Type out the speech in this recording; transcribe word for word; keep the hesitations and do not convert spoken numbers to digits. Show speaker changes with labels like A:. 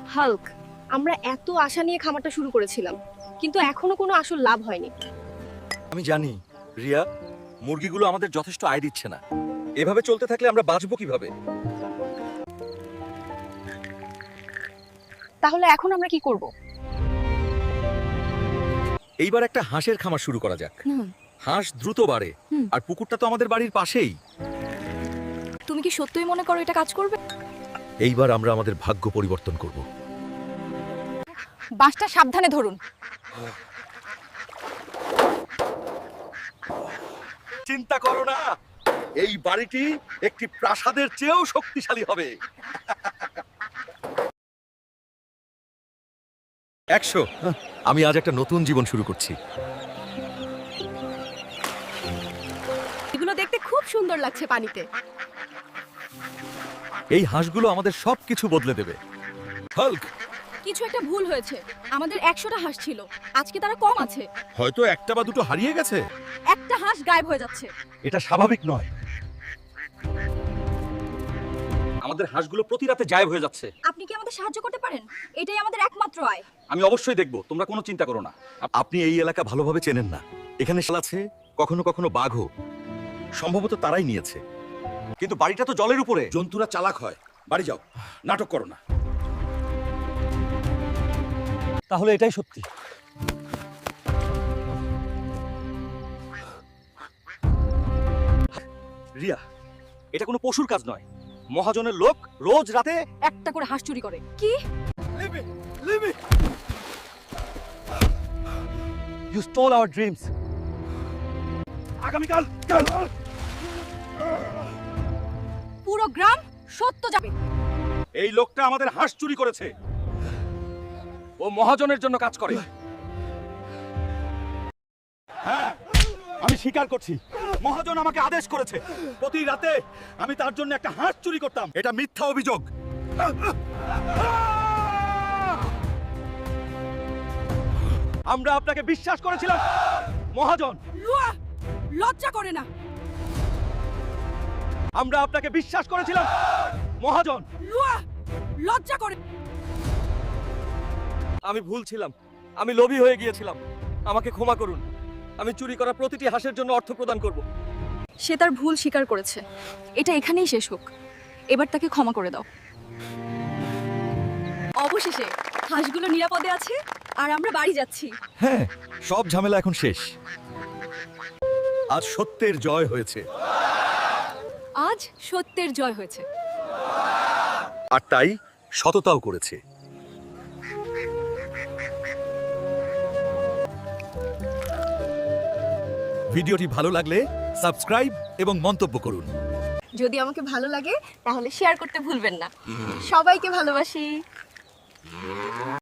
A: Hulk, আমরা এত আশা নিয়ে খামারটা শুরু করেছিলাম, কিন্তু এখনো কোনো আসল লাভ হয়নি।
B: আমি জানি রিয়া, মুরগিগুলো আমাদের যথেষ্ট আয় দিচ্ছে না। এভাবে চলতে থাকলে আমরা বাঁচবো কিভাবে?
A: তাহলে এখন আমরা কি করব?
B: এইবার একটা হাঁসের খামার শুরু করা যাক। হাঁস দ্রুত বাড়ে,
A: হুম।
B: আর পুকুরটা তো আমাদের বাড়ির পাশেই।
A: তুমি কি সত্যিই মনে করো এটা কাজ করবে?
B: এইবার আমরা আমাদের ভাগ্য পরিবর্তন করব।
A: বাঁশটা সাবধানে ধরুন।
B: চিন্তা করো না, এই বাড়িটি একটি প্রাসাদের চেয়েও শক্তিশালী হবে। একশো। আমি আজ একটা নতুন জীবন শুরু করছি।
A: এগুলো দেখতে খুব সুন্দর লাগছে পানিতে।
B: এই হাঁসগুলো আমাদের সবকিছু বদলে দেবে। হাল্ক,
A: কিছু একটা ভুল হয়েছে। আমাদের একশোটা হাঁস ছিল, আজকে তারা কম আছে।
B: হয়তো একটা বা দুটো হারিয়ে গেছে।
A: একটা হাঁস গায়েব হয়ে যাচ্ছে।
B: এটা স্বাভাবিক নয়। আমাদের হাঁসগুলো প্রতি রাতে গায়েব হয়ে যাচ্ছে।
A: আপনি কি আমাদের সাহায্য করতে পারেন? এটাই আমাদের একমাত্র আয়।
B: আমি অবশ্যই দেখব, তোমরা কোনো চিন্তা করো না। আপনি এই এলাকা ভালোভাবে চেনেন না। এখানে শাল আছে, কখনো কখনো বাঘও। সম্ভবত তারাই নিয়েছে। কিন্তু বাড়িটা তো জলের উপরে, জন্তুরা চালাক হয়। বাড়ি যাও, নাটক করো না। তাহলে এটাই সত্যি। রিয়া, এটা কোনো পশুর কাজ নয়। মহাজনের লোক রোজ রাতে
A: একটা করে হাঁস চুরি করে। কি?
B: You stole our dreams. আগামীকাল
A: পুরো গ্রাম সত্য যাবে।
B: এই লোকটা আমাদের হাঁস চুরি করেছে। ও মহাজনের জন্য কাজ করে। হ্যাঁ, আমি স্বীকার করছি, মহাজন আমাকে আদেশ করেছে প্রতি রাতে আমি তার জন্য একটা হাঁস চুরি করতাম। এটা মিথ্যা অভিযোগ। আমরা আপনাকে বিশ্বাস করেছিলাম মহাজন।
A: লজ্জা করে না।
B: আমরা আপনাকে বিশ্বাস করেছিলাম মহাজন।
A: লজ্জা করে।
B: আমি ভুল ছিলাম, আমি লোভী হয়ে গিয়েছিলাম। আমাকে ক্ষমা করুন। আমি চুরি করা প্রতিটি হাঁসের জন্য অর্থ প্রদান করব।
A: সে তার ভুল স্বীকার করেছে। এটা এখানেই শেষ হোক। এবার তাকে ক্ষমা করে দাও। অবশেষে হাঁসগুলো নিরাপদে আছে, আর আমরা বাড়ি যাচ্ছি।
B: হ্যাঁ, সব ঝামেলা এখন শেষ। আজ সত্যের জয় হয়েছে।
A: আজ সত্যের জয় হয়েছে।
B: আর তাই সততাও করেছে। ভিডিওটি ভালো লাগলে সাবস্ক্রাইব এবং মন্তব্য করুন।
A: যদি আমাকে ভালো লাগে তাহলে শেয়ার করতে ভুলবেন না। সবাইকে ভালোবাসি।